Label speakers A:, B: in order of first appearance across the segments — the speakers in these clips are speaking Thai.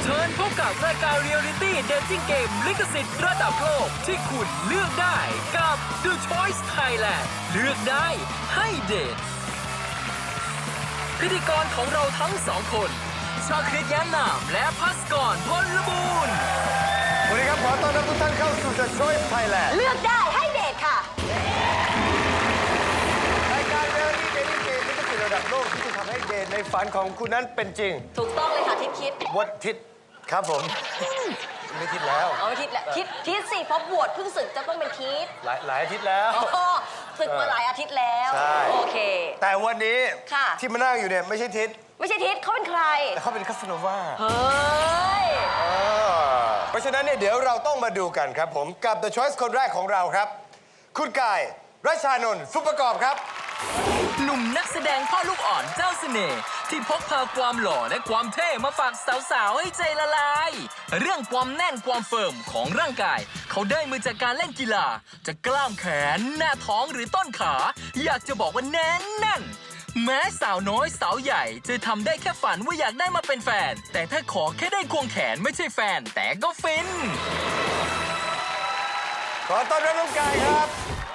A: เชิญพบกับรายการเรียลลิตี้เดทติ้งเกมลิขสิทธิ์ระดับโลกที่คุณเลือกได้กับ The Choice Thailand เลือกได้ให้เดทพิธีกรของเราทั้งสองคนชาคริตแย้มนามและพัสกรพลบูรณ์
B: สวัสดีครับขอต้อนรับทุกท่านเข้าสู่ The Choice Thailand
C: เลือกได้ให้เดทค่ะ
B: รายการเรียลลิตี้เดทติ้งเกมลิขสิทธิ์ระดับโลกที่จะทำให้เดทในฝันของคุณนั้นเป็นจริง
C: ถูกต้องเลยค่ะทิศคิด
B: วัดทิศครับผมไม่ทิศแล้ว
C: เอาทิศแล้วทิศสิเพราะบวชเพิ่งศึกจะต้องเป็นทิศ
B: หลายอาทิตย์แล้ว
C: ศึกมาหลายอาทิตย์แล้วโอเค
B: แต่วันนี้ที่มานั่งอยู่เนี่ยไม่ใช่ทิศ
C: ไม่ใช่ทิศเขาเป็นใคร
B: แต่เขาเป็นคาสโนวา
C: เฮ้ย
B: เพราะฉะนั้นเนี่ยเดี๋ยวเราต้องมาดูกันครับผมกับ The Choice คนแรกของเราครับคุณกายรัชชานนท์สุประกอบครับ
A: หนุ่มนักแสดงพ่อลูกอ่อนเจ้าเสน่ห์ที่พกพาความหล่อและความเท่มาฝากสาวๆให้ใจละลายเรื่องความแน่นความเฟิร์มของร่างกายเขาได้มาจากการเล่นกีฬาจะกล้ามแขนหน้าท้องหรือต้นขาอยากจะบอกว่าแน่นแม้สาวน้อยสาวใหญ่จะทำได้แค่ฝันว่าอยากได้มาเป็นแฟนแต่ถ้าขอแค่ได้ควงแขนไม่ใช่แฟนแต่ก็ฟิน
B: ขอต้อนรับน้องกายครับ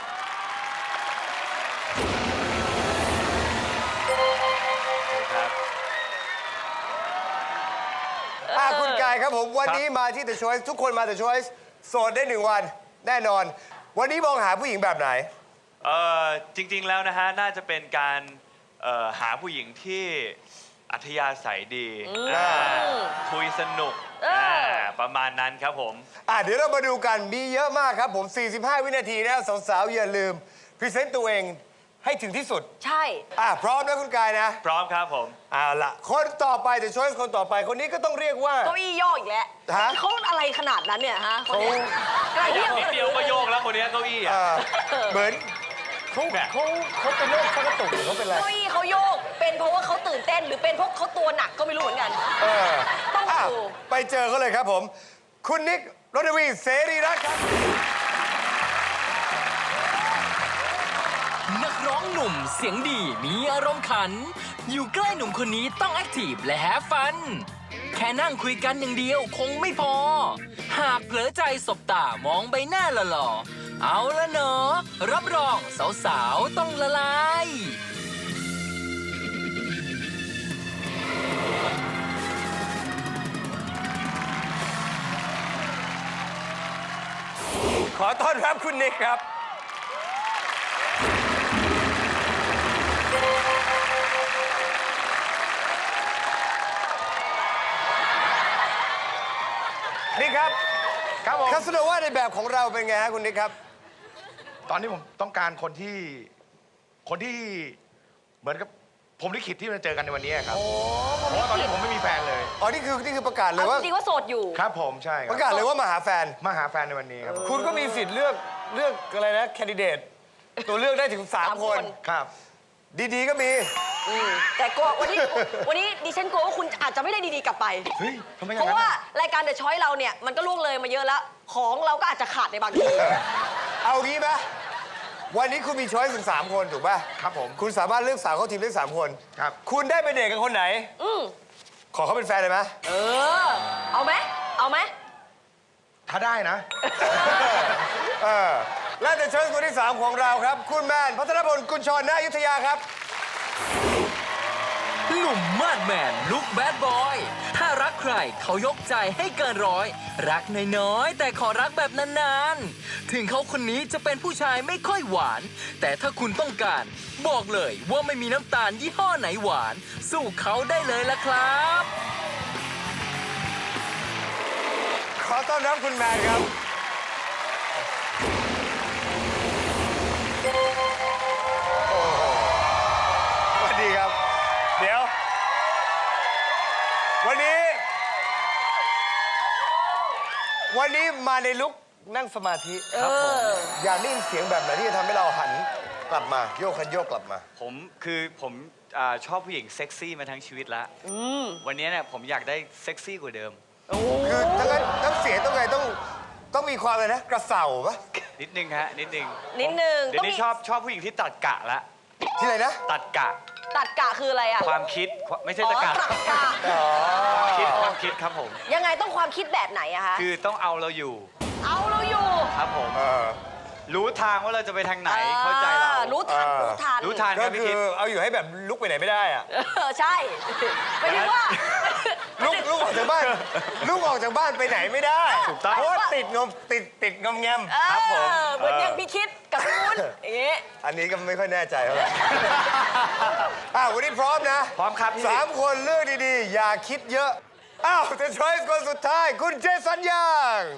B: คุณกายครับผมวันนี้มาที่ The Choice ทุกคนมา The Choice โสดได้1 วันแน่นอนวันนี้มองหาผู้หญิงแบบไหน
D: จริงๆแล้วนะฮะน่าจะเป็นการหาผู้หญิงที่อัธยาศัยดีคุยสนุกประมาณนั้นครับผม
B: เดี๋ยวเรามาดูกันมีเยอะมากครับผม45 วินาทีนะสาวๆอย่าลืมพรีเซนต์ตัวเองให้ถึงที่สุด
C: ใช่
B: พร้อมนะคุณกายนะ
D: พร้อมครับผม
B: เอาล่ะคนต่อไปThe Choice คนต่อไปคนนี้ก็ต้องเรียกว่า
C: เก้าอี้โยกอีกแล้วเขาอะไรขนาดนั้นเนี่ยฮะคนนี้
D: นิดเดียวก็โยกแล้วคนนี้เก้าอี้
B: เหมือนเขาเป็นโรคชักกระตุกหรือเขาเป็นอะไร
C: เก้าอี้เขาโยกเป็นเพราะว่าเขาตื่นเต้นหรือเป็นเพราะเขาตัวหนักก็ไม่รู้เหมือนกันต้องดู
B: ไปเจอเขาเลยครับผมคุณนิกรณวีเสรีรัตน์ครับ
A: นักร้องหนุ่มเสียงดีมีอารมณ์ขันอยู่ใกล้หนุ่มคนนี้ต้องแอคทีฟและแฮปฟันแค่นั่งคุยกันอย่างเดียวคงไม่พอหากเผลอใจสบตามองใบหน้าหล่อๆเอาละเนาะรับรองสาวๆต้องละลาย
B: ขอต้อนรับคุณนิกครับนี่ครับผมคาสโนวาในแบบของเราเป็นไงฮะคุณนิกครับ
E: ตอนนี้ผมต้องการคนที่เหมือนกับผมลิขิตที่มาเจอกันในวันนี้ครับเพราะว่าตอนนี้ผมไม่มีแฟนเลย
B: นี่คือประกาศเลยว่า
C: จริงๆว่าโสดอยู่
E: ครับผมใช่ครับ
B: ประกาศเลยว่ามาหาแฟน
E: ในวันนี้ครับ
B: คุณก็มีสิทธิ์เลือกอะไรนะแคนดิเดตตัวเลือกได้ถึง3 คน
E: ครับ
B: ดีๆก็มี
C: แต่ก็วันนี้ดิฉันกลัวว่าคุณอาจจะไม่ได้ดีๆกลับไปเพราะว่ารายการ The Choice เราเนี่ยมันก็ล่วงเลยมาเยอะแล้วของเราก็อาจจะขาดในบางที
B: เอางี้ไหมวันนี้คุณมีช้อยส์ถึง3 คนถูกป่ะ
E: ครับผม
B: คุณสามารถเลือกสาวเข้าทีมได้3 คน
E: ครับ
B: คุณได้ไปเดทกับคนไหนขอเขาเป็นแฟนเลยไหม
C: เอาไหม
E: ถ้าได้นะ
B: และจะเชิญคนที่3ของเราครับคุณแมนพัทรพลกุลชรณอยุธยาครับ
A: หนุ่มมาดแมนลุคแบดบอยถ้ารักใครเขายกใจให้เกินร้อยรักน้อยๆแต่ขอรักแบบนานๆถึงเขาคนนี้จะเป็นผู้ชายไม่ค่อยหวานแต่ถ้าคุณต้องการบอกเลยว่าไม่มีน้ำตาลยี่ห้อไหนหวานสู้เขาได้เลยละครับ
B: ขอต้อนรับคุณแมนครับสวัสดีครับเดี๋ยววันนี้มาในลุคนั่งสมาธิครับผมอยากได้ยินเสียงแบบไหนที่จะทำให้เราหันกลับมาโยกคันโยกกลับมา
D: ผมชอบผู้หญิงเซ็กซี่มาทั้งชีวิตแล้ววันนี้เนี่ยผมอยากได้เซ็กซี่กว่าเดิม
B: คือถ้างั้นน้ำเสียงต้องไงต้องมีความเลยนะกระเสาปะ
D: นิดนึงฮะนิดนึง
C: เดี๋ยว
D: นี้ชอบผู้หญิงที่ตัดกะละ
B: ที่ไหนนะ
D: ตัดกะ
C: ตัดกะคืออะไรอ่ะ
D: ความคิดไม่ใช่ตะกะ
C: ตัดกะ
D: ความคิดครับผม
C: ยังไงต้องความคิดแบบไหนอะคะ
D: คือต้องเอาเราอยู่
C: เอาเราอยู่
D: ครับผม
B: เออ
D: รู้ทางว่าเราจะไปทางไหนเข้าใจเรา
C: รู้ทัน
B: เออ
C: รู้ทัน
D: รู้ทางค
B: ก็
D: รับพี่
B: คื
D: คิ
B: อ
D: ด
B: เอาอยู่ให้แบบลุกไปไหนไม่ได้อะ
C: ใช่ไม่ถึงว่า
B: ลุกออกจากบ้านลุกออกจากบ้านไปไหนไม่ได้
D: ถูกต้อง
B: เพราะว่าติดงอมแงม
D: ครับผม
C: เหมือนอย่างพี่คิดกับพี่วุ้นอย่างงี้
B: อันนี้ก็ไม่ค่อยแน่ใจเท่าไหร่ วันนี้พร้อมนะ
D: พร้อมครับพี่
B: 3 คนเลือกดีๆ อย่าคิดเยอะ อ้าวแต่ช้อยส์คนสุดท้าย คุณเจสัญญาง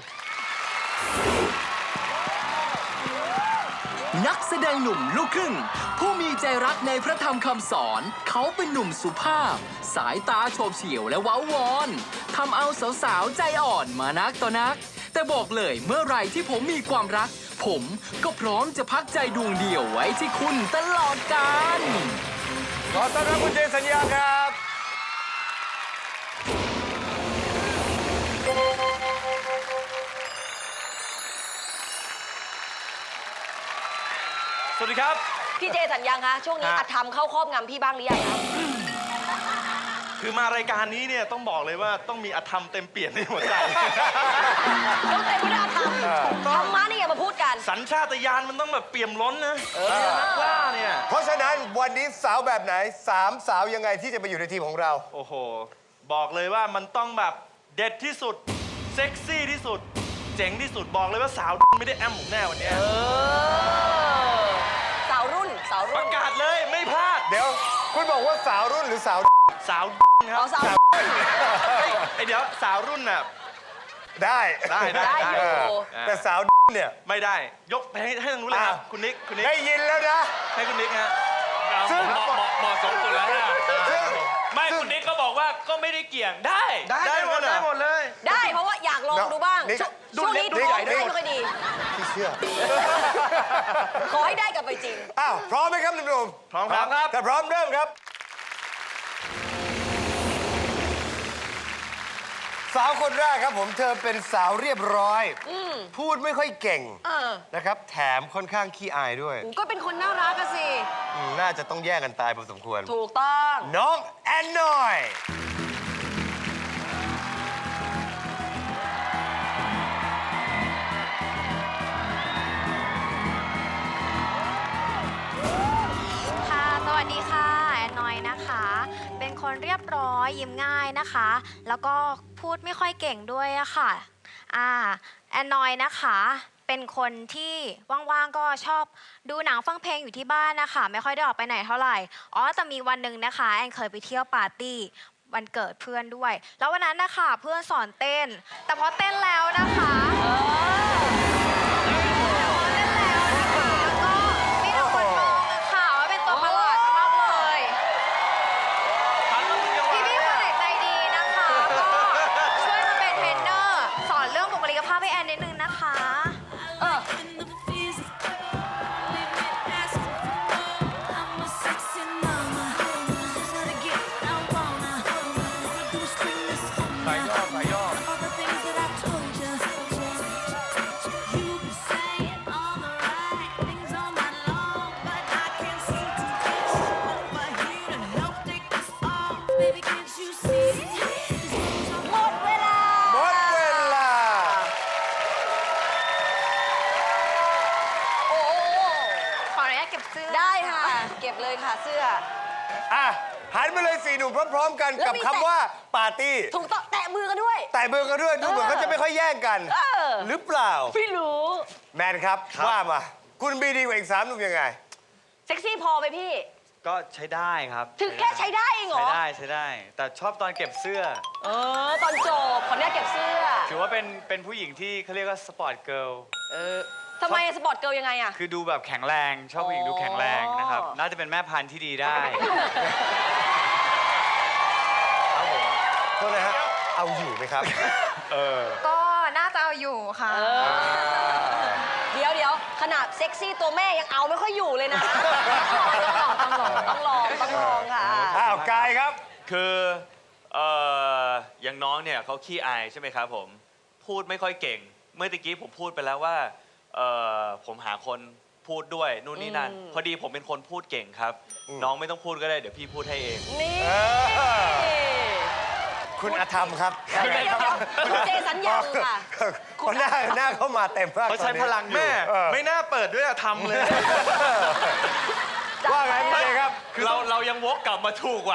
A: นักแสดงหนุ่มลูกครึ่ง ผู้มีใจรักในพระธรรมคำสอน เขาเป็นหนุ่มสุภาพ สายตาโฉบเฉี่ยวและเว้าวอนทำเอาสาวๆใจอ่อนมานักต่อนัก แต่บอกเลยเมื่อไหร่ที่ผมมีความรัก ผมก็พร้อมจะพักใจดวงเดียวไว้ที่คุณตลอดกาล
B: ขอต้อนรับคุณเจสัญญาครับ
D: สวัสดีครับ
C: พี่เจสัญญังคะช่วงนี้
D: ฮะ
C: อาธรรมเข้าครอบงำพี่บ้างหรือยังคะ
E: คือมารายการนี้เนี่ยต้องบอกเลยว่าต้องมีอธรรมเต็มเปี่ยมในหัวใจ
C: ต้องเต็มไปด้วยอาธรรมธรรมะนี่อย่ามาพูดกัน
E: สัญชาตญาณมันต้องแบบเปี่ยมล้นนะนักล่าเนี่ย
B: เพราะฉะนั้นวันนี้สาวแบบไหน 3 สาวยังไงที่จะไปอยู่ในทีมของเรา
E: โอ้โห บอกเลยว่ามันต้องแบบเด็ดที่สุด เซ็กซี่ที่สุด เจ๋งที่สุดบอกเลยว่าสาวไม่ได้แอมผมแน่วันเนี้ย
C: สาวรุ่นสาว
E: ป
C: รุ่
E: ระ
C: น
E: กาศเลยไม่พลาด
B: เดี๋ยว คุณบอกว่าสาวรุ่นหรือสาว
E: สาวครั
C: เอา
E: บ
C: สาวรุ่น
E: ไอยเดี๋ยวสาวรุ่นน่ะ
B: ได้
E: ได้
C: ได้อยู่
B: เออแต่สาวเนี่ย
E: ไม่ได้ยกให้ทางนู้นเลยครับ
B: อ้าว
E: คุณนิกคุณนิก
B: ได้ยินแล้วนะ
E: ให้คุณนิกฮะ
B: ซึ่ง
D: เหมาะสมสุดแล้วนะ
B: ซึ่ง
D: ไม่คุณนิกก็บอกว่าก็ไม่ได้เกี่ยงได้
E: ได้หมด
B: ได้หมดเหรอ
E: เลย
C: ได้เพราะว่าอยากลองดูบ้าง
B: นี่
C: ช่วงนี้
B: นี่
C: ท้อง
B: นี่
C: ไม่ค่อยดี
B: พี่เชื่อ
C: ขอให้ได้กลับไปจริง
B: อ้าวพร้อมไหมครับหนุ่ม
E: พร้อมครับ
B: ๆถ้าพร้อมเริ่มครับ สาวคนแรกครับผมเธอเป็นสาวเรียบร้อย พูดไม่ค่อยเก่ง
C: เออ
B: นะครับ แถมค่อนข้างขี้อายด้วย
C: ก็เป็นคนน่ารักอะสิ
B: น่าจะต้องแย่งกันตายพอสมควร
C: ถูกต้อง
B: น้องแอนนอย
F: ค่ะ สวัสดีค่ะ แอนนอยนะคะ เป็นคนเรียบร้อยยิ้มง่ายนะคะ แล้วก็พูดไม่ค่อยเก่งด้วยอะค่ะแอนนอยนะคะ เป็นคนที่ว่างๆก็ชอบดูหนังฟังเพลงอยู่ที่บ้านนะคะ ไม่ค่อยได้ออกไปไหนเท่าไหร่ แต่มีวันหนึ่งนะคะ แอนเคยไปเที่ยวปาร์ตี้วันเกิดเพื่อนด้วย แล้ววันนั้นนะคะเพื่อนสอนเต้น แต่พอเต้นแล้วนะคะ ก็มีแต่คนมองอะค่ะว่าเป็นตัวประหลาดมากเลย พี่ๆคนไหนใจดีนะคะ ก็ช่วยมาเป็นเทรนเนอร์ สอนเรื่องบุคลิกภาพให้แอนนิดนึงนะคะ
E: สายย่อสายย่อ
F: Baby, can't you see?
C: หมดเวลา
B: หมดเวลา
C: โอ้โห
F: ขออนุญาตเก็บเสื้อ
C: ได้ค่ะ เก็บเลยค่ะเสื้อ
B: อ่ะ หันมาเลย4 หนุ่มพร้อม ๆ กัน
C: แล้ว
B: กับ
C: มี
B: คำว่าปาร์ตี้
C: ถูกต้องแตะมือกันด้วย
B: แต่เบอร์กันด้วยดูเหมือนเขาจะไม่ค่อยแย่งกัน
C: เออ
B: หรือเปล่า
C: พี่รู้
B: แมนครับ ว่ามา คุณบีดีกว่าอีก3 หนุ่มยังไง
C: เซ็กซี่พอไหมพี่
D: ก็ใช้ได้ครับ
C: ถึงแค่ใช้ได้เองเหร
D: ใช้
C: อ
D: ได้ใช้ได้ แต่ชอบตอนเก็บเสื้อ
C: ตอนจบขออนุญาตเก็บเสื้อ
D: ถือว่าเป็นผู้หญิงที่เขาเรียกว่าสปอร์ตเกิร์ล
C: ทำไมสปอร์ตเกิร์ลยังไงอะ
D: คือดูแบบแข็งแรง ชอบผู้หญิงดูแข็งแรงนะครับ น่าจะเป็นแม่พันธุ์ที่ดีได้ ครับผม
B: โทษนะฮะ เอาอยู่ไหมครับ
F: ก็น่าจะเอาอยู่ค่ะ
C: เดี๋ยวขนาดเซ็กซี่ตัวแม่ยังเอาไม่ค่อยอยู่เลยนะ ต้องลองค่ะ
B: อ้าวกายครับ
D: คืออย่างน้องเนี่ยเขาขี้อายใช่ไหมครับผม พูดไม่ค่อยเก่ง เมื่อตะกี้ผมพูดไปแล้วว่าผมหาคนพูดด้วยนู่นนี่นั่นพอดีผมเป็นคนพูดเก่งครับ น้องไม่ต้องพูดก็ได้เดี๋ยวพี่พูดให้เอง
C: นี่
B: คุณอธรรมครับ
C: เดี๋ยวคุณเจสัญญาค่ะ
B: เขาหน้าเข้ามาเต็มมาก
E: เขาใช้พลังแม่ ไม่น่าเปิดด้วยอะทำเลย
B: ว่าไงพี่เจครับ
D: เรายังวกกลับมาถูกว่ะ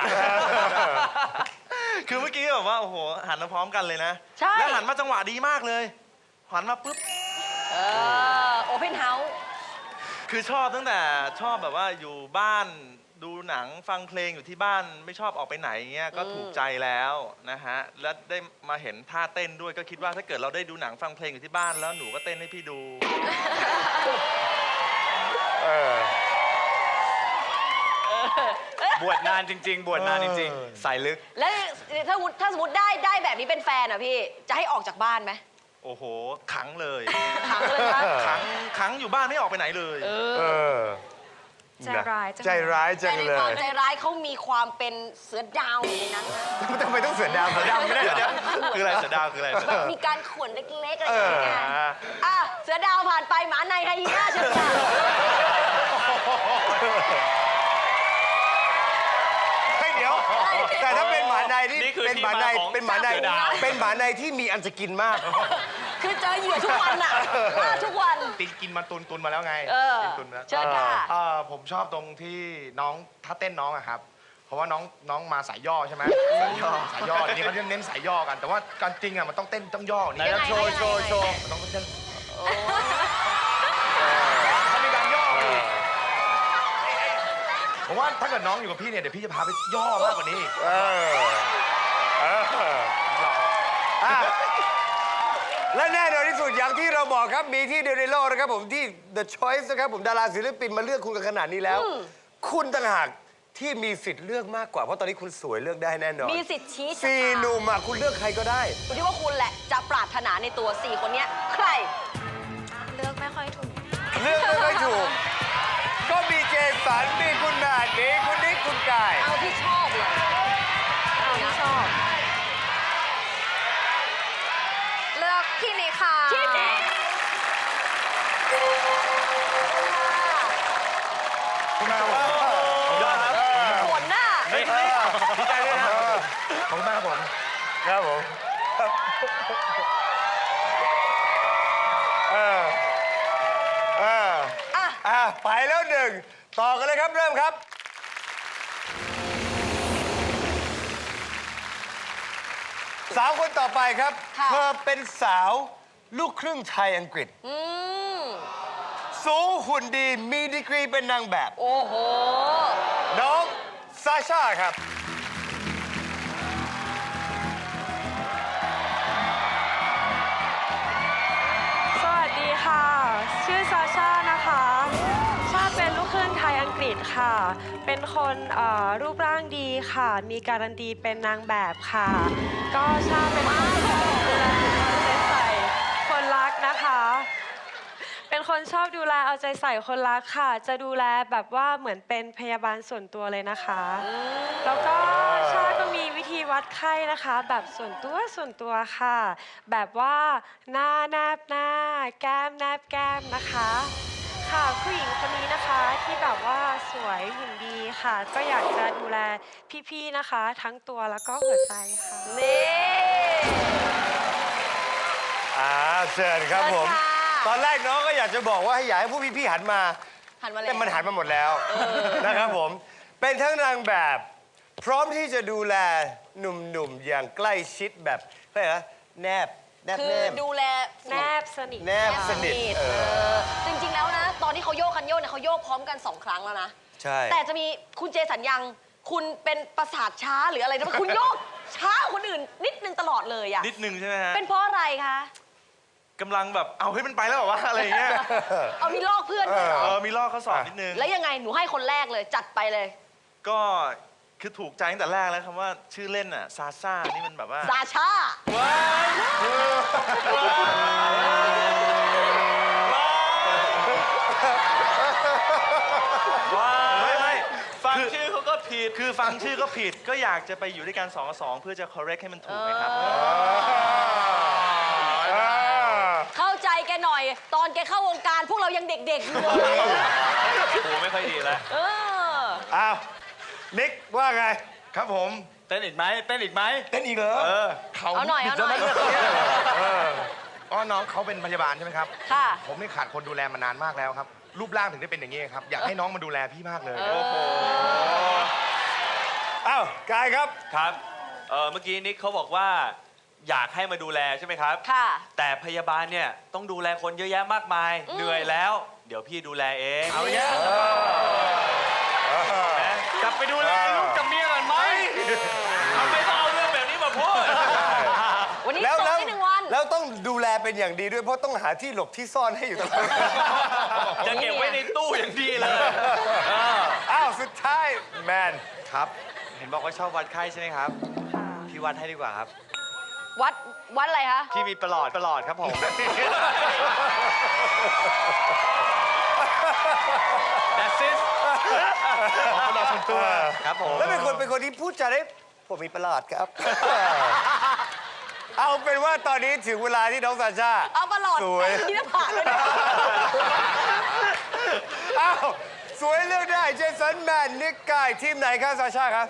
E: คือเมื่อกี้แบบว่าโอ้โหหันมาพร้อมกันเลยนะ
C: ใช่
E: แล้วหันมาจังหวะดีมากเลย หันมาปุ๊บ
C: โอเพนเฮาส์
E: คือชอบตั้งแต่ชอบแบบว่าอยู่บ้านดูหนังฟังเพลงอยู่ที่บ้านไม่ชอบออกไปไหนเงี้ยก็ถูกใจแล้วนะฮะแล้วได้มาเห็นท่าเต้นด้วยก็คิดว่าถ้าเกิดเราได้ดูหนังฟังเพลงอยู่ที่บ้านแล้วหนูก็เต้นให้พี่ดู
D: บวชนานจริง ๆ บวชนานจริงๆ สายลึก
C: แล้วถ้าสมมติได้แบบนี้เป็นแฟนอ่ะพี่ จะให้ออกจากบ้านไหม
E: โอ้โหขังเลย
C: ขังเลยนะ
E: ขังอยู่บ้านไม่ออกไปไหนเลย
F: ใจร้ายจัง
B: ใจร้ายจั
C: แต่
B: ง
C: ใน
B: เล
C: ความ
B: ย
C: ใจร้ายเขามีความเป็นเสือดาวอยู่ในนั้นนะ
B: ทำไมต้องเสือดาวเสือดาวไม่ได้เหรอ
E: คืออะไรเสือดาวคืออะไรเสือ
C: แบ
E: ดา
C: บ
E: ว
C: มีการข่วนเล็กๆอะไรอย่างเงี้ยอ่ะเสือดาวผ่านไปหมาในไฮยีน่าเชิญค่ะ
B: ให้เดี๋ยว แต่ถ้าเป็นหมาในที่
D: นี่คือ
B: เป็นหมาใน
D: ที่มาของ
B: เป็นหมาใน
D: เสือดาว
B: เป็นหมาในที่มีอันจะกินมาก
C: คือเจอเหยื่อทุกวันอ่ะล่าทุกวัน
G: กินมาตุนมาแล้วไง กินตุนมาแล้ว
C: เชิญค่ะ
G: ผมชอบตรงที่น้องถ้าเต้นน้องอะครับ เพราะว่าน้องมาสายย่อใช่ไหมสายย่อทีนี้เขาจะเน้นสายย่อกัน แต่ว่าการจริงอะมันต้องเต้นต้องย่อนี่
C: ยังไง
G: โชว์
C: ยังไง
G: โชว์มันต้องเต้นถ้ามีการย่ออีกผมว่าถ้าเกิดน้องอยู่กับพี่เนี่ยเดี๋ยวพี่จะพาไปย่อมากกว่านี้อีก
B: และแน่นอนที่สุดอย่างที่เราบอกครับมีที่เดียวในโลกนะครับผมที่ The Choice นะครับผมดาราศิลปินมาเลือกคุณกันขนาดนี้แล้ว คุณต่างหากที่มีสิทธิ์เลือกมากกว่าเพราะตอนนี้คุณสวยเลือกได้แน่นอน
C: มีสิทธิ์ชี้ชะ
B: สี่
C: ตา
B: หนุ่มอะคุณเลือกใครก็ได้
C: อยู่ที่ว่าคุณแหละจะปรารถนาในตัว 4 คนเนี้ยใคร
F: เลือกไม่ค่อยถูก
B: เลือกไม่ถูก ก็มีเจสันมีคุณแมทมีคุณนิกคุณกาย
C: เอาที่ชอบเลย
F: เอาที่ชอบ เลือกพี่นิกค่ะ
C: ที่นี่
G: คุณแม่ครับผม
E: ยอดครับ
C: ขนหน้า
E: ดีใจด้วยนะ
G: ขอบคุณมากครับผม
B: ครับผมไปแล้วหนึ่งต่อกันเลยครับเริ่มครับ สาวคนต่อไปครับ
C: ค่ะ
B: เธอเป็นสาวลูกครึ่งไทยอังกฤษ
C: อืม
B: สูงหุ่นดีมีดีกรีเป็นนางแบบ
C: โอ้โห
B: น้องซาชาครับ
H: สวัสดีค่ะ ชื่อซาชานะคะ ชาเป็นลูกครึ่งไทยอังกฤษค่ะ เป็นคนรูปร่างดีค่ะ มีการันตีเป็นนางแบบค่ะ ก็ชาเป็นคนชอบดูแลเอาใจใส่คนรักนะคะ เป็นคนชอบดูแลเอาใจใส่คนรักค่ะ จะดูแลแบบว่าเหมือนเป็นพยาบาลส่วนตัวเลยนะคะ แล้วก็ชาก็มีวิธีวัดไข้นะคะ แบบส่วนตัวค่ะ แบบว่าหน้าแนบหน้า แก้มแนบแก้มนะคะ ค่ะผู้หญิงคนนี้นะคะที่แบบว่าสวยหุ่นดีค่ะ ก็อยากจะดูแลพี่ๆนะคะ ทั้งตัวแล้วก็หัวใจค่ะ
C: นี่
B: เชิญครับผม
C: เชิญค่ะ
B: ตอนแรกน้องก็อยากจะบอกว่าให้อยากให้ผู้พี่ๆหันมา
C: หันมาเลย
B: แต่มันหันมาหมดแล้วนะครับผม เป็นทั้งนางแบบ พร้อมที่จะดูแลหนุ่มๆ อย่างใกล้ชิดแบบอะไรนะแนบ
C: คือ
B: แนบ
C: ดูแล
H: แนบสนิท
B: แนบสนิท
C: จริงๆแล้วนะ ตอนที่เขาโยกคันโยกเนี่ยเขาโยกพร้อมกัน 2 ครั้งแล้วนะ
B: ใช่
C: แต่จะมีคุณเจสัญญัง คุณเป็นประสาทช้าหรืออะไรนะคุณโยกช้ากว่าคนอื่นนิดนึงตลอดเลยอะ
E: นิดนึงใช่ไหมฮะ
C: เป็นเพราะอะไรคะ
E: กำลังแบบเอาให้มันไปแล้วเหรอวะอะไรอย่างเงี้ย
C: เอามีลอกเพื่อนด้วยเหรอ
E: มีลอกข้อสอบนิดนึง
C: แล้วยังไงหนูให้คนแรกเลยจัดไปเลย
E: ก็คือถูกใจตั้งแต่แรกแล้วคำว่าชื่อเล่นอ่ะซาซ่านี่มันแบบว่า
C: ซาชา
E: ไม่
D: ฟังชื่อเขาก็ผิด
E: คือฟังชื่อก็ผิดก็อยากจะไปอยู่ด้วยกัน2 กับ 2 เพื่อจะ correct ให้มันถูกไหมครับ
C: เข้าใจแกหน่อย ตอนแกแกเข้าวงการพวกเรายังเด็กๆอยู่เลย
D: หูไม่ค่อยดีแล้ว
C: เออ
B: อ้าว นิกว่าไง
G: ครับผม
D: เต้นอีกไหมเต้นอีกไหม
G: เต้นอีกเหรอเขา
C: เอาหน่อยเอาหน่อย
G: อ๋อน้องเขาเป็นพยาบาลใช่ไหมครับ
C: ค่ะ
G: ผมนี่ขาดคนดูแลมานานมากแล้วครับ รูปร่างถึงได้เป็นอย่างนี้ครับ อยากให้น้องมาดูแลพี่มากเลย
B: อ้าว กายครับ
D: ครับเมื่อกี้นิกเขาบอกว่าอยากให้มาดูแลใช่ไหมครับ
C: ค่ะ
D: แต่พยาบาลเนี่ยต้องดูแลคนเยอะแยะมากมาย เหนื่อยแล้ว เดี๋ยวพี่ดูแลเอง
B: เอาเนี่ย
D: กลับไปดูแลลูกกับเมียก่อนไหมทำไมต้องเอาเรื่องแบบนี้มาพูด
C: วันนี้
B: แล้ว
C: ส่ง
B: แล้ว
C: ที่1 วัน
B: แล้วต้องดูแลเป็นอย่างดีด้วย เพราะต้องหาที่หลบที่ซ่อนให้อยู่ตลอด
D: จะเก็บไว้ในตู้อย่างดีเลย
B: อ้าว สุดท้าย แมน
I: ครับ เห็นบอกว่าชอบวัดไข้ใช่ไหมครับ พี่วัดให้ดีกว่าครับ
C: วัดอะไรคะ
I: พี่มีประหลอดครับผม
D: That's it
G: ขอประหลอดส่วนตัว
I: ครับผม
B: แล้วเป็นคนที่พูดจาได้ผมมีประหลาดครับ เอาเป็นว่าตอนนี้ถึงเวลาที่น้องซาชา
C: เอาประหลอด
B: สวย
C: ที่หน้าผากเลยนะ
B: อ้าวสวยเลือกได้เจสันแมนนิกกายทีมไหนครับซาชาครับ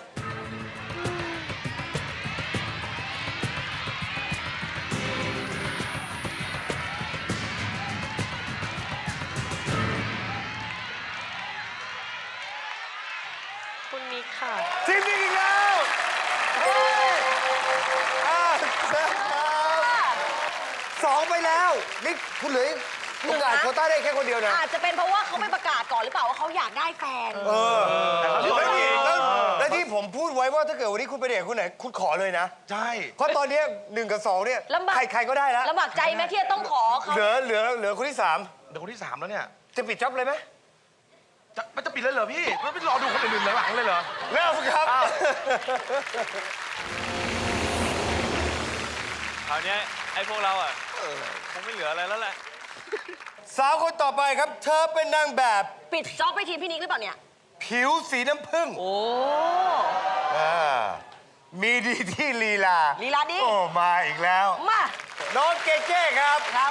H: คุณนิกค่ะ
B: ทีมนี้อีกแล้วเฮ้ยสองไปแล้วนี่คุณเหลือโอกาสโควต้าได้แค่คนเดียวนะ
C: อาจจะเป็นเพราะว่าเขาไม่ประกาศก่อนหรือเปล่าว่าเขาอยากได้แฟน
B: แล้วที่ผมพูดไว้ว่าถ้าเกิดวันนี้คุณไปเดทคุณไหนคุณขอเลยนะ
G: ใช่
B: เพราะตอนนี้1 กับ 2เนี่ย
C: ลำบาก
B: ใครก็ได้แล้ว
C: ลำบากใจไหมที่จะต้องขอเขา
B: เหลือคนที่
G: เดี๋ยวคนที่ 3 แล้วเนี่ย
B: 3 จะปิดจ็อบเลยไหม
G: มันจะปิดแล้วเหรอพี่มันไม่รอดูคนอื่นๆหลังๆเลยเหรอ
B: เริ่มครับ
D: คราวเนี้ยไอ้พวกเราอ่ะคงไม่เหลืออะไรแล้วแหละ
B: สาวคนต่อไปครับ เธอเป็นนางแบบ
C: ปิดจ็อบไปทีมพี่นิกหรือเปล่าเนี่ย
B: ผิวสีน้ำผึ้ง
C: โอ้
B: อ่ามีดีที่ลีลา
C: ลีลาดี
B: โอ้ มาอีกแล้ว
C: มา
B: น้องเก้ครับ
C: ครับ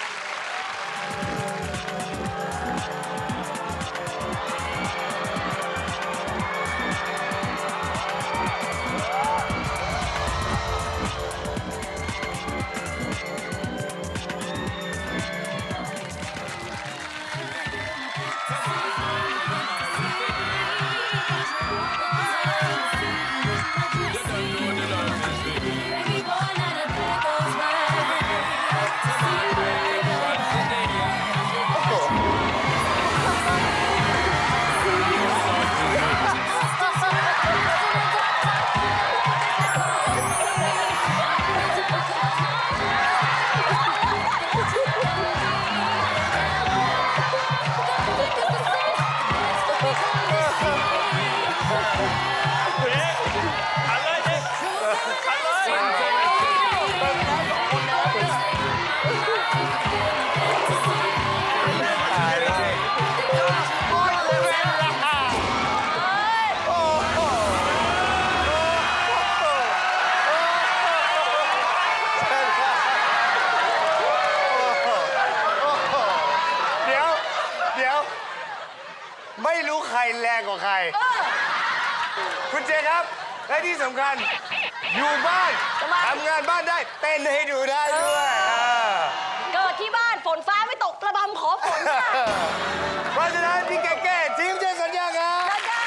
B: เดี๋ยว ไม่รู้ใครแรงกว่าใคร คุณเจครับ และที่สำคัญ อยู่บ้าน
C: ทำไม
B: ทำงานบ้านได้ เต้นให้ดูได้ด้วย
C: เกิดที่บ้านฝนฟ้าไม่ตกกระบำขอฝนค่ะ
B: เพราะฉะนั้นพี่แก้ทีมเจสัญญาครับ
C: จ้า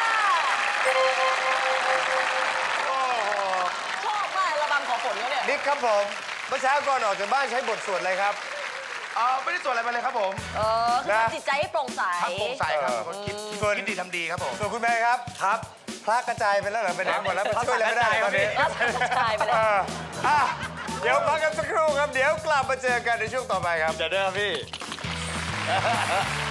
C: ชอบมากระบำขอฝนเขาเนี่ย
B: นิกครับผมเมื่อเช้าก่อนออกจากบ้านใช้บทสวดอะไรครับ
G: ไม่ได้ส่วนอะไรไปเลยครับผม
C: คือทำจิตใจให้โปร่งใส
G: ทำโปร่งใสครับเป็นคนคิดดีทำดีครับผม
B: ส่วนคุณแม่ครับครับพระกระจายไปแล้วเหรอไปไหนหมดแล้วไปช่วยอะไรไม่ได้ตอนนี้
C: พระกระจายไปแล้ว
B: เดี๋ยวพักกันสักครู่ครับ เดี๋ยวกลับมาเจอกันในช่วงต่อไปครับ
I: เดี๋ยวเด้อพี่